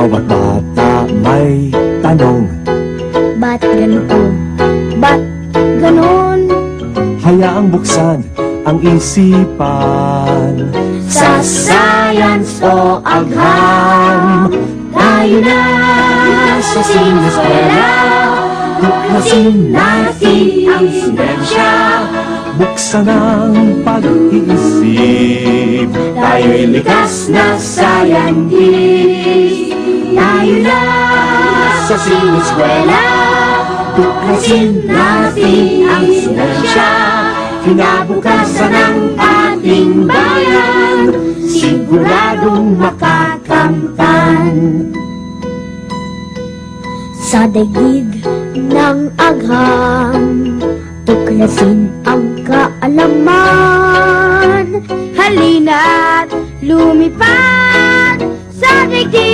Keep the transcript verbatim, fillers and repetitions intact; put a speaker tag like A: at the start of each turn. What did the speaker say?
A: Bawat bata may tanong,
B: Ba't ganito? Ba't ganon?
A: hayaang buksan ang isipan.
B: Sa science o agham, tayo na sa siniskwela. Tuklasin natin ang siyensya,
A: Buksan ang pag-iisip.
B: tayo'y likas na scientist. Tayo na sa siniskwela, tuklasin natin ang siyensya. Kinabukasan ng ating bayan, siguradong makakamtan. Sa daigdig ng agham, tuklasin ang kaalaman. Halina't lumipad sa daigdig